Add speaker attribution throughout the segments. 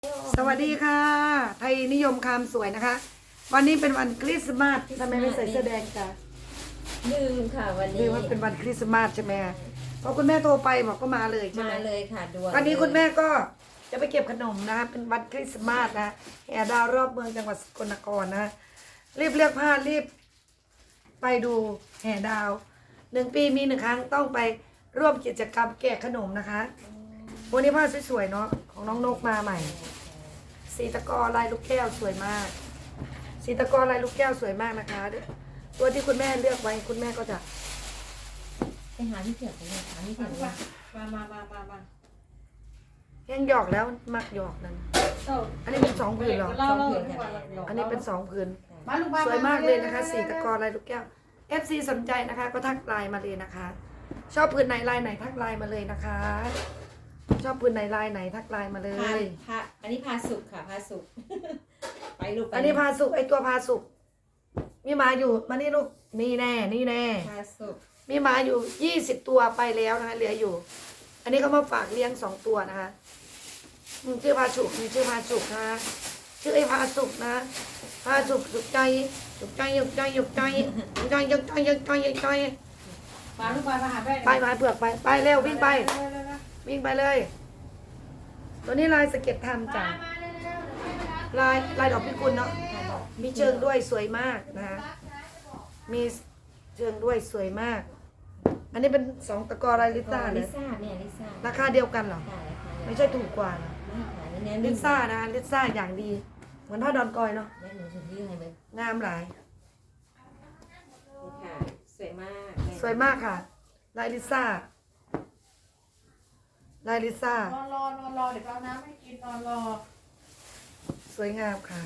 Speaker 1: สวัสดีค่ะไทยนิยมคำสวยนะคะ วันนี้เป็นวันคริสต์มาสทำไมไม่ใส่เสื้อแดงจ้ะ
Speaker 2: ลืมค่ะวัน
Speaker 1: ลื
Speaker 2: นี้
Speaker 1: มว่าเป็นวันคริสต์มาสใช่ไหมพอคุณแม่โทรไปบอกก็มาเลยใช่ไหม
Speaker 2: มาเลยค่ะด่วน
Speaker 1: วันนี้คุณแม่ก็จะไปเก็บขนมนะคะเป็นวันคริสต์มาสนะแห่ดาวรอบเมืองจังหวัดสกลนครนะรีบเลือกผ้ารีบไปดูแห่ดาว1 ปีมี1 ครั้งต้องไปร่วมกิจกรรมแกะขนมนะคะวันนี้ผ้าสวยๆเนาะของน้องนกมาใหม่ สีตะกอลายลูกแก้วสวยมาก สีตะกอลายลูกแก้วสวยมากนะคะ ตัวที่คุณแม่เลือกไว้คุณแม่ก็จะ
Speaker 2: ไปหาที่เถียงกันเลยหาที่เถียงกัน
Speaker 3: มา
Speaker 1: แห้งหยอกแล้วมักหยอกนั้น อันนี้เป็น2 ผืนเหรอ
Speaker 3: เล่า
Speaker 1: อันนี้เป็น2 ผืน
Speaker 3: มาลูก
Speaker 1: สวยมากเลยนะคะ สีตะกอลายลูกแก้ว FC สนใจนะคะ ก็ทักไลน์มาเลยนะคะ ชอบผืนไหนลายไหนทักไลน์มาเลยนะคะ ชอบผืนไหนลายไหนทักไลน์มาเล
Speaker 2: พาย อันนี้พาสุกค่ะพาสุก ไปลูก
Speaker 1: อันนี้พาสุกไอตัวพาสุกมีหมาอยู่มานี่ลูกนี่แน่นี่แน่
Speaker 2: พาสุก
Speaker 1: มีหมาอยู่20 ตัวไปแล้วนะคะเหลืออยู่ อันนี้เขามาฝากเลี้ยง2 ตัวนะคะชื่อพาสุกมีชื่อพาสุกนะคะชื่อไอ้พาสุกนะพาสุกสุกใจสุกใจยุกใจยุกใจยุกใจยุกใจยุกใจยุกใจ
Speaker 3: มาลูกมาหาแม่
Speaker 1: ไปมาเผือกไปเร็ววิ่งไปวิ่งไปเลย ตัวนี้ลายสเก็ตทำจ้ะลายดอกพิกุลเนาะมีเชิงด้วยสวยมากนะคะมีเชิงด้วยสวยมาก อันนี้เป็น2 ตะกอลายลิซ่าเล
Speaker 2: ลิ
Speaker 1: ย
Speaker 2: ซ่าเนี่ยลิซ่า
Speaker 1: ราคาเดียวกันเหรอ
Speaker 2: ค่ะราคา
Speaker 1: ไม่ใช่ถูกกว่าเหรอ
Speaker 2: ไม่ค่ะนี่แน่
Speaker 1: ลิซ่านะลิซ่าอย่างดี เหมือนผ้าดอนกอยเนาะ
Speaker 2: แน่หนูจะยื่นให้เลย
Speaker 1: งามหลาย
Speaker 2: นี่ค่ะสวยมาก
Speaker 1: สวยมากค่ะ ลายลิซ่าลายลิซ่าน
Speaker 3: อนรอเดี๋ยวเอาน้ำให้กินนอนรอ
Speaker 1: สวยงามค่ะ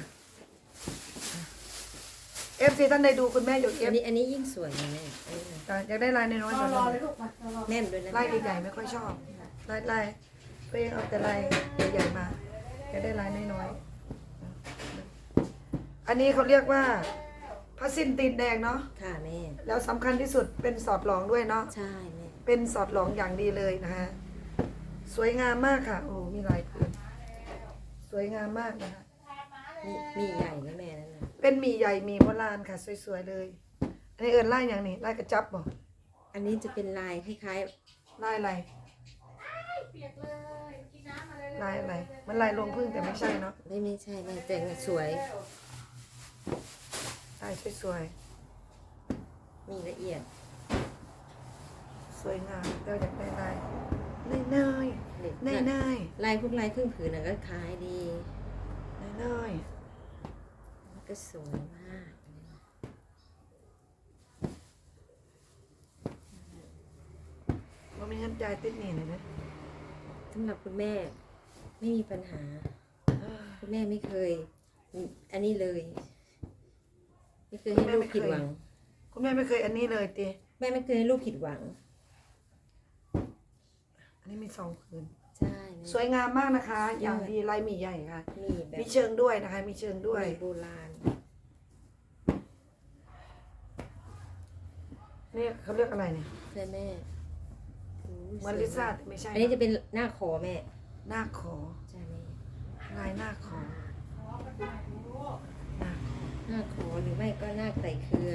Speaker 1: FC ท่านใดดูคุณแม่อยู่
Speaker 2: อันนี้ยิ่งสวยนะแม่อันนี้นะ
Speaker 1: อยากได้ลายน้อยๆ
Speaker 3: น
Speaker 1: ก
Speaker 3: อ
Speaker 1: ว่าน
Speaker 3: รอ
Speaker 1: นี้
Speaker 3: เลยลูกมารอ
Speaker 2: แน่นด้วยนะ
Speaker 1: ลายใหญ่ๆไม่ค่อยชอบลายตัวเองเอาแต่ลายใหญ่ๆมาอยากได้ลายน้อยๆอันนี้เขาเรียกว่าผ้าสิ้นตีนแดงเนาะ
Speaker 2: ค่ะแม่
Speaker 1: แล้วสำคัญที่สุดเป็นสอดหลองด้วยเนาะ
Speaker 2: ใช่แม่
Speaker 1: เป็นสอดหลองอย่างดีเลยนะคะสวยงามมากค่ะโอ้มีหลายผืนสวยงามมากนะคะ
Speaker 2: มีใหญ่นะแม่นั่นน่ะ
Speaker 1: เป็นหมี่ใหญ่หมี่โบราณค่ะสวยๆเลยอันนี้เอิญไล่อย่างนี้ไล่กระจับบ่
Speaker 2: อันนี้จะเป็นลายคล้าย
Speaker 1: ไล่อะไร
Speaker 3: เปียกเลยกินน้ำมาเลย
Speaker 1: ไล่อะไรมันไล่ลงพึ่งแต่ไม่ใช่เนาะ
Speaker 2: ๆไม่ใช่แม่แต่สวย
Speaker 1: ไล่สวย
Speaker 2: มีละเอียด
Speaker 1: ๆสวยงามเราอยากได้ลายน้อย
Speaker 2: เด็ก
Speaker 1: ๆน้อย
Speaker 2: ลายพวกลายครึ่งผืนน่ะก็คล้ายดี
Speaker 1: ๆน้อย
Speaker 2: มันก็สวยมาก
Speaker 1: ๆมันมีเงินจ่ายติดหนี้เลยนะ
Speaker 2: สำหรับคุณแม่ไม่มีปัญหา คุณแม่ไม่เคย อันนี้เลย ไม่เคยให้ลูกผิดหวัง
Speaker 1: คุณแม่ไม่เคยอันนี้เลยตี
Speaker 2: แม่ไม่เคยให้ลูกผิดหวัง
Speaker 1: อันนี้มี2 ผืน
Speaker 2: ใช่แม่
Speaker 1: สวยงามมากนะคะ อย่างดีลายหมี่ใหญ่ค่ะ
Speaker 2: มีแบบ
Speaker 1: มีเชิงด้วยนะคะ มีเชิงด้วย
Speaker 2: มีโบราณ
Speaker 1: นี่เขาเรียกอะไรเนี่ย
Speaker 2: ใช่แม่
Speaker 1: เหมือนลิซ่าแต่ไม่ใช่
Speaker 2: อันนี้จะเป็นหน้าคอแม่
Speaker 1: หน้าขอ
Speaker 2: ใช่แม่
Speaker 1: ลายหน้าขอหน้าขอ
Speaker 2: หน้าคอหรือไม่ก็หน้าไตรเครือ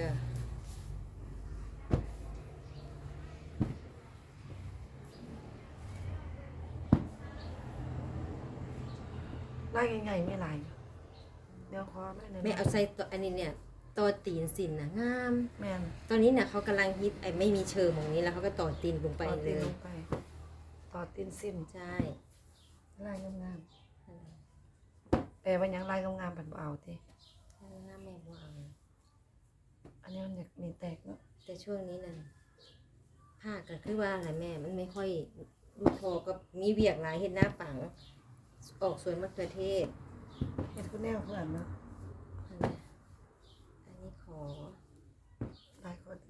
Speaker 1: ลายใหญ่ๆไม่ลายเดี๋ยวขอไม่
Speaker 2: แม่เอาใส่ตัวอันนี้เนี่ยต่อตีนสินนะงาม
Speaker 1: แม่น
Speaker 2: ตอนนี้เนี่ยเขากำลังฮิตไอ้ไม่มีเชิงตรงนี้แล้วเขาก็ต่อตีนลงไป
Speaker 1: ต่อ
Speaker 2: เล
Speaker 1: ตีน
Speaker 2: ย
Speaker 1: ลงไปต่อตีนสิ้น
Speaker 2: ใช่
Speaker 1: ลายงามๆแต่ว่ายังลายงามๆผันบ่เอาที
Speaker 2: หน้าแม่ว่าเอา
Speaker 1: อันนี้มันอยากมีแตกเนาะ
Speaker 2: แต่ช่วงนี้นั่นผ้าก็คือว่าอะไรแม่ มันไม่ค่อยลูกคอก็มีเวียกหลายเห็นหน้าปัง ออกสวนมะเขือเทศ
Speaker 1: เห็นคุณแนวเพื่อนเนาะ
Speaker 2: อันนี้ขอ
Speaker 1: ลายคน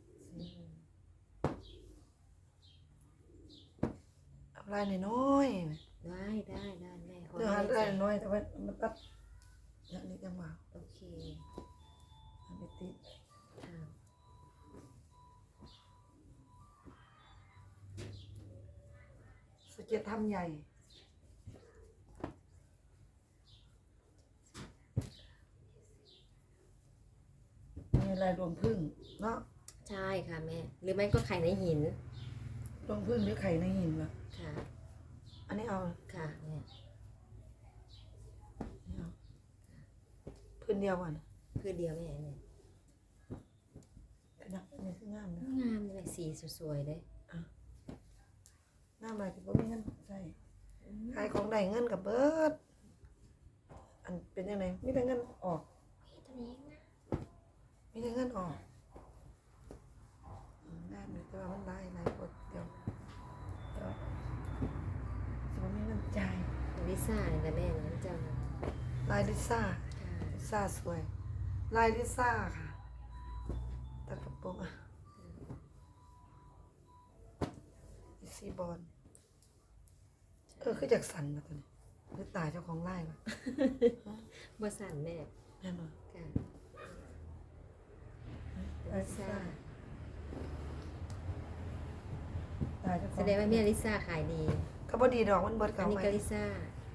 Speaker 1: เอาลายน้อยๆ
Speaker 2: ได้แม่ขอ
Speaker 1: เดี๋ยวหา
Speaker 2: ให้
Speaker 1: ได้น้อยแต่ว่ามันตัดอย่างนี้ยังว่า
Speaker 2: โอเค
Speaker 1: อันนี้ติด
Speaker 2: ค่ะ
Speaker 1: สเก็ตทำใหญ่ลายรวงพึ่งเนาะ
Speaker 2: ใช่ค่ะแม่ หรือไม่ก็ไข่ในหิน
Speaker 1: รวงพึ่งหรือไข่ในหินวะ
Speaker 2: ค่ะ
Speaker 1: อันนี้เอา
Speaker 2: ค่ะแม่
Speaker 1: นี่เอาพื้นเดียวก่อน
Speaker 2: คือเดียวแม่เนี่ย
Speaker 1: เป็นนักนี่คืองามนะ
Speaker 2: งามเลยสีสวยๆเลย
Speaker 1: งามอะไรที่พ่มีเงินใส่ขายของได้เงินกับเบิดอันเป็นยังไงมีแต่เงินออก
Speaker 2: ตัวนี้นะ
Speaker 1: มีแต่เงินออกงามเลยแต่ว่ามันหลายคนเดียวแต่ว่าสิบ่มีเงินจ่าย
Speaker 2: ลิซ่าเนี่ยแต่แม่นั้นเจ้านะ
Speaker 1: ลายลิซ่า
Speaker 2: ค่ะ
Speaker 1: ลิซ่าสวย ลายลิซ่าค่ะตัดกระโปรงอ่ะซีบอลคือจากสันมาตัวนี้หรือตายเจ้าของไร่มา
Speaker 2: บ่สั่นแม่
Speaker 1: แน่นอน
Speaker 2: ค่ะลิซ่า
Speaker 1: ตายเจ้าข
Speaker 2: แส
Speaker 1: อง
Speaker 2: ดงว่าแม่ลิซ่าขายดี
Speaker 1: ก็บ่ดีดอกมันเบิด
Speaker 2: อั
Speaker 1: เก่าน
Speaker 2: นี้
Speaker 1: ไป
Speaker 2: ก็ลิซ่า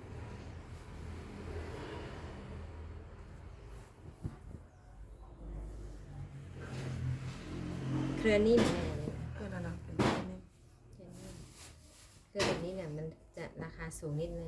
Speaker 2: เครือนิ่มแม่เนี่ย
Speaker 1: นั่นน่ะเป็นแบบนี้
Speaker 2: เครือแบบนี้เนี่ยมันจะราคาสูงนิดนึง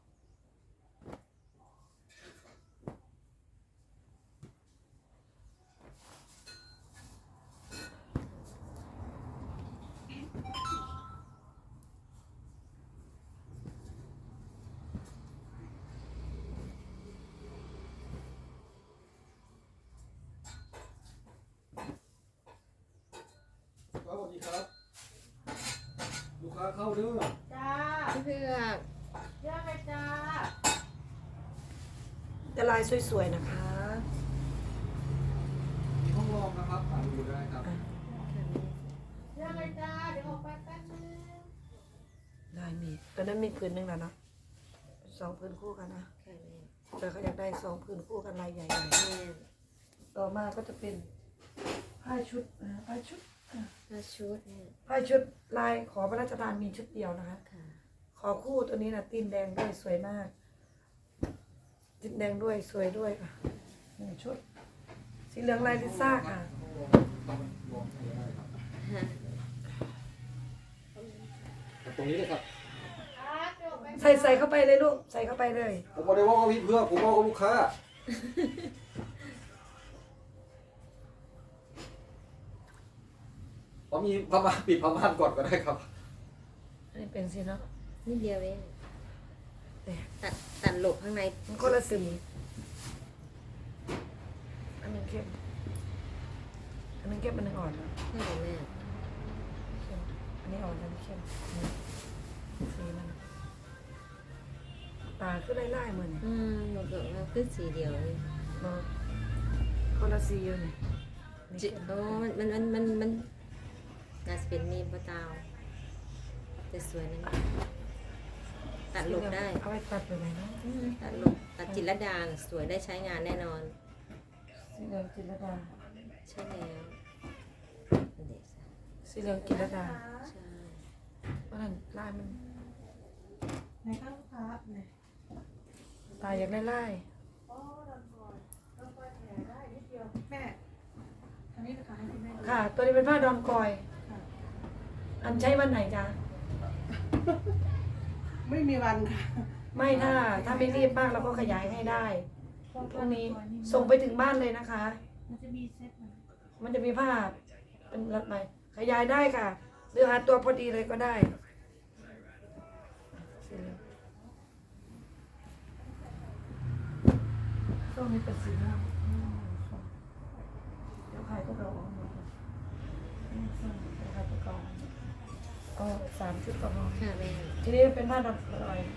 Speaker 4: สวัสดีครับ ลูกค้าเข้าเด้อ
Speaker 3: จ้า
Speaker 2: พี่เพือก
Speaker 3: เยอะไหมจ้า
Speaker 1: จะลายสวยๆนะคะ
Speaker 4: มีห้องรองนะครับอ่านดูได้ครับ
Speaker 2: ค่ะแม่
Speaker 3: เยอะไหมจ้า เดี๋ยวออกไปแป๊บนึง
Speaker 1: ลายมีตอนนั้นมีผืนหนึงแล้วเนาะ2ผืนคู่กันนะ
Speaker 2: ค่ะแม่
Speaker 1: แต่เขาอยากได้2ผืนคู่กันลายใหญ่
Speaker 2: แม่
Speaker 1: ๆต่อมาก็จะเป็นผ้าชุดผ้าชุด
Speaker 2: ถ้าชุดเนี่ย
Speaker 1: ผ้าชุดลายขอพระราชทานมีชุดเดียวนะคะ
Speaker 2: ค่ะ
Speaker 1: ขอคู่ตัวนี้นะตีนแดงด้วยสวยมากตีนแดงด้วยสวยด้วยค่ะ1ชุด สีเหลืองลายลิซ่าค่ะ
Speaker 4: ลองให้ได้ครับ
Speaker 2: ฮะ
Speaker 4: ตรงนี้เลยครับ
Speaker 3: ครับเดี๋ยวออกไป
Speaker 1: ใส่เข้าไปเลยลูกใส่เข้าไปเลย
Speaker 4: ผมไม่ได้ว่ากับพี่เพื่อผมว่ากับลูกค้า ผมมีพม่านปิดพม่านก่อนก็ได้ครับ
Speaker 1: อันนี้เป็นสีเนาะ
Speaker 2: นิดเดียวเอง
Speaker 1: แต่
Speaker 2: ตัดหลบข้างใน
Speaker 1: มันคนละสีอันหนึงเข้มอันหนึงเข้มอันหนึงอ่อน
Speaker 2: ใช่ไหมแม่
Speaker 1: เข้มอันนี้อ่อนอันนี้เข้มนี่สีมันตาขึ้นไล่ๆเหมือนนี่
Speaker 2: หนูบอกว่าขึ้นสีเดียวเลย
Speaker 1: บ่คนละสีอยู่นี่นี่
Speaker 2: จิ
Speaker 1: เข้ม
Speaker 2: โอ้มันน่าจะเป็นมีมปะตาวแต่สวยนะตัดหลบได้
Speaker 1: เอาไปตัดไปไหนเนาะ
Speaker 2: ตัดหลบตัดจิตรลดาน่ะสวยได้ใช้งานแน่นอน
Speaker 1: สีเหลืองจิรดา
Speaker 2: ใช่แล้วเด็ก
Speaker 1: สีเหลืองจิรดา
Speaker 2: ใช่
Speaker 1: เพราะนั้นลายมัน
Speaker 3: ไหนครับลูกค้าไหน
Speaker 1: ตาอยากได้ไล่
Speaker 3: อ๋อดอนก่อนดอนก่อนแผลได้นิดเดียว แม่อันนี้นะคะให้คุณแม่ดู
Speaker 1: ค่ะ ตัวนี้เป็นผ้าดอมกอย
Speaker 3: ค่ะ
Speaker 1: อันใช้วันไหนจ๊ะ
Speaker 3: ไม่มีวันค่ะ
Speaker 1: ไม่ถ้าไม่รีบมากเราก็ขยายให้ได้พรุ่งนี้ส่งไปถึงบ้านเลยนะคะ
Speaker 3: มันจะมีเซ็ตนะ
Speaker 1: มันจะมีผ้าเป็นรัดไหมขยายได้ค่ะ หรือหาตัวพอดีเลยก็ได้ช่วงนี้เป็นสีม่วงเดี๋ยวใครก็รอหมดเลยเดี๋ยวใครก็รอเอา3 ชุดก็พอ
Speaker 2: ค่ะแม่
Speaker 1: ทีนี้เป็นผ้าดอกลอย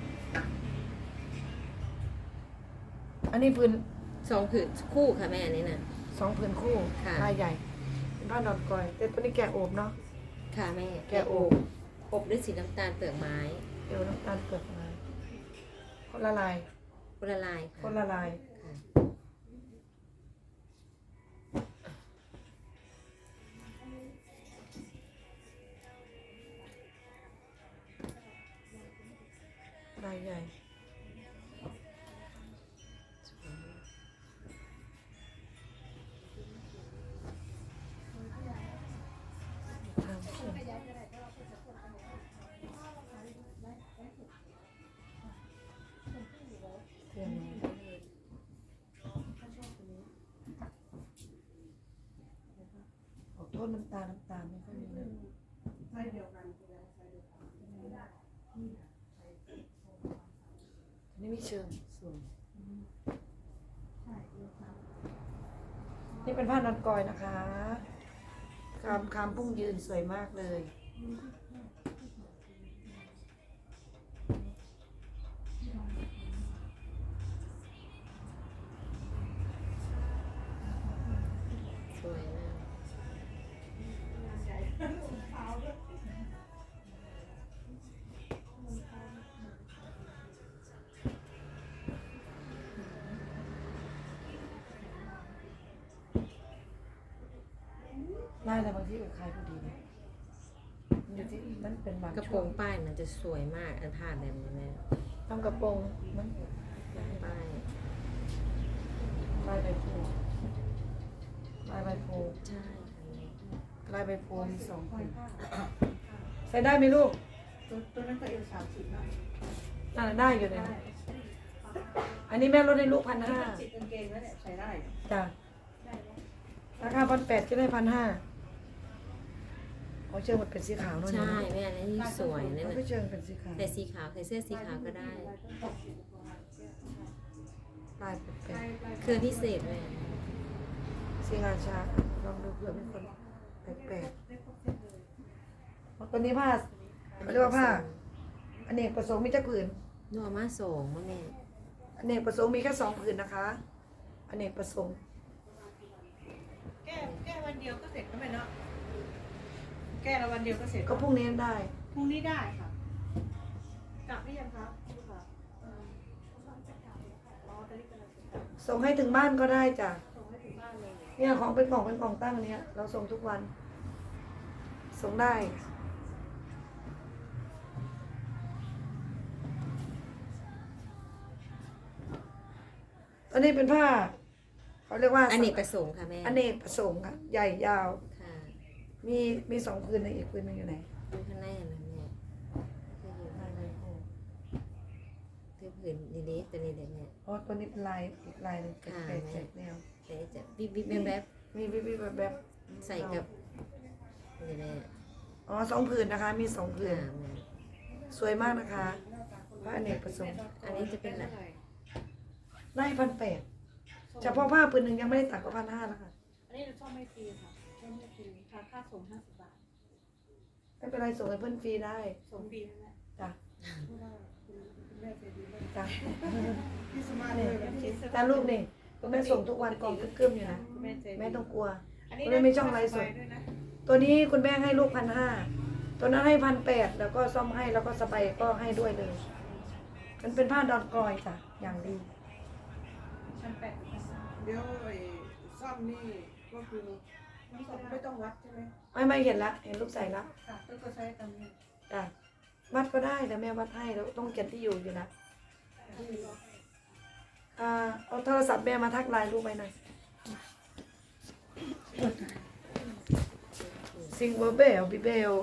Speaker 1: อันนี้พื้น
Speaker 2: 2 ผืนคู่ค่ะแม่อันนี้น่ะ
Speaker 1: 2ผืนคู่
Speaker 2: ค่ะ
Speaker 1: ลายใหญ่ เป็นผ้าดอกกอยแต่ตัวนี้แกะโอบเนาะ
Speaker 2: ค่ะแม่
Speaker 1: แกะโอบ
Speaker 2: อบด้วยสีน้ำตาลเปลือกไม้
Speaker 1: เดี๋ยวน้ำตาลเปลือกมาคนละลาย
Speaker 2: คนละลายค่ะ
Speaker 1: คนละลาย
Speaker 2: ค่ะ
Speaker 1: ลายใหญ่สื้อน้องออกโทษน้ำตาลไม่ค่อยมีเลย
Speaker 3: ไซส์เดียวกันใช่ไหมไซส์เดียวกัน
Speaker 1: อันนี้มีเชิงสวยนี่เป็นผ้านอนกอยนะคะคำพุ่งยืนสวยมากเลย
Speaker 2: สวยมาก
Speaker 1: ได้แต่บางที่กับใครพอดีนะมันอยู่ที่นั่นเป็นบาง
Speaker 2: กระโป
Speaker 1: ช่
Speaker 2: ร
Speaker 1: วง
Speaker 2: งป้ายมันจะสวยมากอันผ้าแบบนี้แม่
Speaker 1: ทำกระโปรงมัน
Speaker 2: ป้าย
Speaker 1: ลายใบโพลายใบโพ
Speaker 2: ใช่อันนี้
Speaker 1: ลายใบโพมีสองผืนใส่ได้ไหมลูก
Speaker 3: ตัวนั้นก็เอว30นะ
Speaker 1: น่าได้อยู่เลยนะอันนี้แม่ลดให้ลูก1,500
Speaker 3: จิตกางเกงแล้วเนี่ยใช้ได้
Speaker 1: จ้ะราคา1,800ก็ได้1,500เชิงมันเป็นสีขาวเนอะ
Speaker 2: ใช่แม่อันนี้สวยนั่น
Speaker 1: มัน
Speaker 2: น่ะ
Speaker 1: ก็เชิงเป็นสีขาว
Speaker 2: ใส่สีขาวใส่เสื้อสีขาวก็ได้
Speaker 1: ลายแปลก
Speaker 2: เครือพิเศษแม่
Speaker 1: ๆสีงาช้างลองดูเผื่อเป็นคนแปลกๆตัวนี้ผ้าเขาเรียกว่าผ้าอเนกประสงค์มีจักผืน
Speaker 2: นัวมาส่งมาแม่
Speaker 1: อเนกประสงค์มีแค่2ผืนนะคะอเนกประสงค์
Speaker 3: แก้วันเดียวก็เสร็จก็ไม่เนาะแก้ละวันเดียวก็เสร็จ
Speaker 1: ก็พรุ่งนี้ได้
Speaker 3: พรุ่งนี้ได้ค่ะกลับหรือยังครับลูกค้าอ๋อตอนนี้กำลังจะกลับ
Speaker 1: ส่งให้ถึงบ้านก็ได้จ้ะ
Speaker 3: ส่งให้ถึงบ้านเลย
Speaker 1: เนี่ยของเป็นกล่องตั้งเนี้ยเราส่งทุกวัน ส่งได้อันนี้เป็นผ้าเขาเรียกว่า
Speaker 2: อเนกประสงค์ค่ะแม่
Speaker 1: อเนกประสงค์ค่ะใหญ่ยาว
Speaker 2: ค่ะ
Speaker 1: มี2ผืนในอีกผืนหนึงอยู่ไหน
Speaker 2: ดูข้างในนะแม่ก็อยู่ข้างในคือผืนนี้ตัวนี้เลยแม่
Speaker 1: อ๋อตัวนี้เป็นลายอีกลายหนึงเป็น
Speaker 2: ค่ะ
Speaker 1: แปลกๆแนว
Speaker 2: แต่จะวิบวิบแวบแวบ
Speaker 1: มีวิบๆแบบ
Speaker 2: ใส่กับนี่แม่
Speaker 1: อ๋อ2ผืนนะคะ มี2ผืน
Speaker 2: ค่ะแม่
Speaker 1: สวยมากนะคะผ้าอเนกประสงค์
Speaker 2: อันนี้จะเป็นแบบ
Speaker 1: ได้1,800เฉพาะผ้าผืนหนึ่งยังไม่ได้ตัดก็1,500แล้วค่ะ
Speaker 3: อันนี้เราชอบไม่ฟรีค่ะชอบไม่ฟรีค่าส่ง50 บาท
Speaker 1: ไม่เป็นไรส่งให้เพื่อนฟรีได้
Speaker 3: ส่งฟรีนั่นแหละ
Speaker 1: จ้ะ
Speaker 3: เพราะว่าคุณแม่ใจดีมาก
Speaker 1: จ้ะ
Speaker 3: พี่สมาร์ทเลยนะคิด
Speaker 1: แต่ลูกนี่คุณแม่ส่งทุกวันกล่องกึ้มๆอยู่นะ
Speaker 3: คุณแม่ใจดี
Speaker 1: แม่ต้องกลัว
Speaker 3: อันนี้
Speaker 1: คุณแม่ไม่ช่องไลฟ์สด
Speaker 3: ด้วยนะ
Speaker 1: ตัวนี้คุณแม่ให้ลูก1,500ตัวนั้นให้1,800แล้วก็ซ่อมให้แล้วก็สบายก็ให้ด้วยเลย มันเป็นผ้าดอนกรอยจ้ะอย่างดี
Speaker 3: 1,800
Speaker 4: เดี๋ยวไอ้ซ่อมนี่ก็คือไม่ต้องวัดใช่ไหม
Speaker 1: ไม่เห็นละเห็นลูกใส่ละ
Speaker 3: ค่ะก็ใช้ตามนี้
Speaker 1: จ้ะวัดก็ได้แต่แม่วัดให้แล้วต้องเขียนที่อยู่อยู่นะเอาโทรศัพท์แม่มาทักไลน์ลูกไปหน่อยซิงเบอร์เบลบิเบล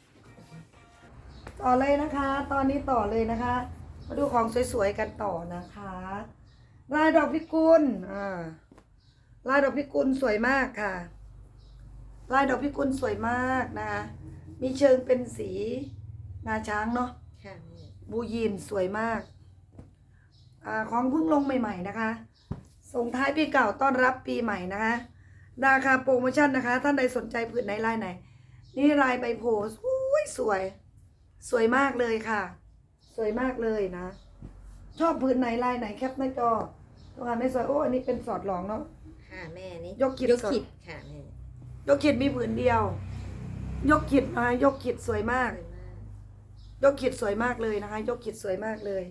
Speaker 1: ต่อเลยนะคะ ตอนนี้ต่อเลยนะคะ มาดูของสวยๆกันต่อนะคะลายดอกพิกุลลายดอกพิกุลสวยมากค่ะลายดอกพิกุลสวยมากนะคะมีเชิงเป็นสีงาช้างเนาะ
Speaker 2: ค่ะแม่
Speaker 1: บูยีนสวยมากของเพิ่งลงใหม่ๆนะคะ ส่งท้ายปีเก่าต้อนรับปีใหม่นะคะราคาโปรโมชั่นนะคะ ท่านใดสนใจผืนไหนลายไหน นี่ลายใบโพสวยสวยมากเลยค่ะ สวยมากเลยนะ ชอบผืนไหนลายไหนแคปหน้าจอตัวงานไม่สวยโอ้อันนี้เป็นสอดหลองเนาะ
Speaker 2: ค่ะแม่นี่
Speaker 1: ยกขิด
Speaker 2: ยก
Speaker 1: สด
Speaker 2: ขิดค่ะแม่
Speaker 1: ยกขีดมีผืนเดียว ยกขีดนะคะยกขีดสวยมาก
Speaker 2: สวยมาก
Speaker 1: ยกขีดสวยมากเลยนะคะ ยกขีดสวยมากเลย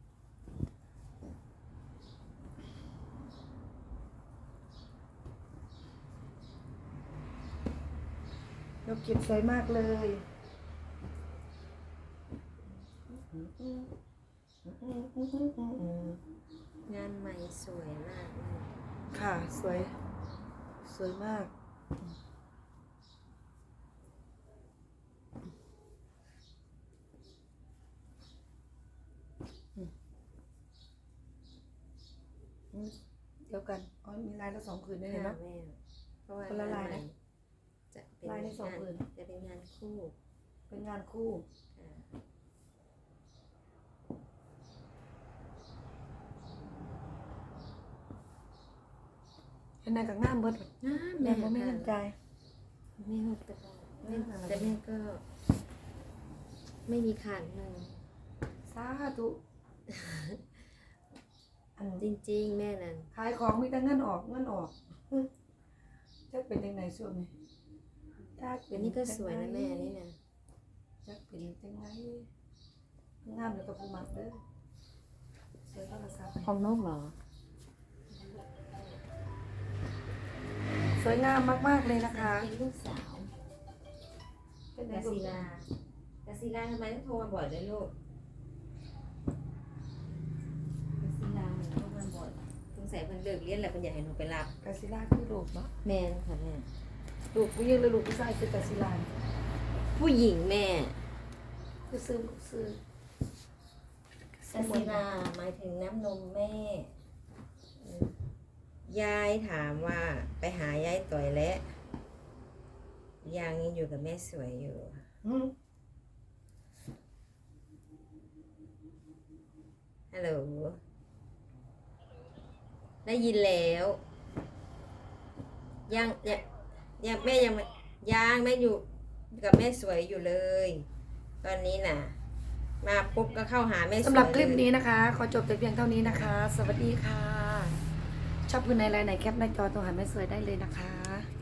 Speaker 1: ยกขีดสวยมากเลย
Speaker 2: งานใหม่สวยมากแม่
Speaker 1: ค่ะสวย สวยมากเดียวกันอ๋อมีลายละ2ผืนด้วย
Speaker 2: ค่ะ
Speaker 1: เนาะ
Speaker 2: แม่เพราะว่า
Speaker 1: คนละลายนะ
Speaker 2: จะเป็น
Speaker 1: ลายในสอง
Speaker 2: งาน
Speaker 1: ผืน
Speaker 2: จะเป็นงานคู่
Speaker 1: เป็นงานคู่
Speaker 2: ค่ะ
Speaker 1: เห็นไหนกับงามเบิด
Speaker 2: แม่
Speaker 1: แม่บ่มีเงินจ่าย
Speaker 2: แม่ก็แต่แม่ก็ ไม่มีขาดเงิน
Speaker 1: สาธุอัน
Speaker 2: จริงๆ แม่นั่น
Speaker 1: ขายของมีแต่เงินออกจักเป็นจังไดช่วงนี้จัก
Speaker 2: เดี๋ยวนี้ก็สวยนะแม่นี่นะ
Speaker 1: จักเป็นจังไดงามแล้วก็ผู้มักเด้อสวยโทรศัพท์
Speaker 2: ของนกเหรอ
Speaker 1: สวยงามมากๆเลยนะคะ
Speaker 2: เป็นลูกสาว
Speaker 1: เป็นไง
Speaker 2: กา
Speaker 1: ลูก
Speaker 2: ศิลากาศิลาทำไมต้องโทรมาบ่อยด้วยลูกกาศิลาโทรมาบ่อยสงสัยเพิ่นเลิกเรียนแล้วเพิ่นอยากให้หนูไปรับ
Speaker 1: กาซิล่าคือลูกเนาะ
Speaker 2: แม่นค่ะแม่
Speaker 1: ลูกผู้หญิงหรือลูกผู้ชายคือกาซิล่า
Speaker 2: ผู้หญิงแม่
Speaker 1: คือซื้อลูกซื้อก
Speaker 2: าศิลาหมายถึงน้ำนมแม่ยายถามว่าไปหายายต่อยแล้วยังอยู่กับแม่สวยอยู่
Speaker 1: อืม
Speaker 2: ฮัลโหล ได้ยินแล้ว ยังแม่ยังแม่อยู่กับแม่สวยอยู่เลย ตอนนี้น่ะ มาปุ๊บก็เข้าหาแม่สวย
Speaker 1: สำหรับคลิป
Speaker 2: เลย
Speaker 1: นี้นะคะ ขอจบแต่เพียงเท่านี้นะคะ สวัสดีค่ะ ชอบคุณในไลน์ไหนแคปหน้าจอตรงหาแม่สวยได้เลยนะคะ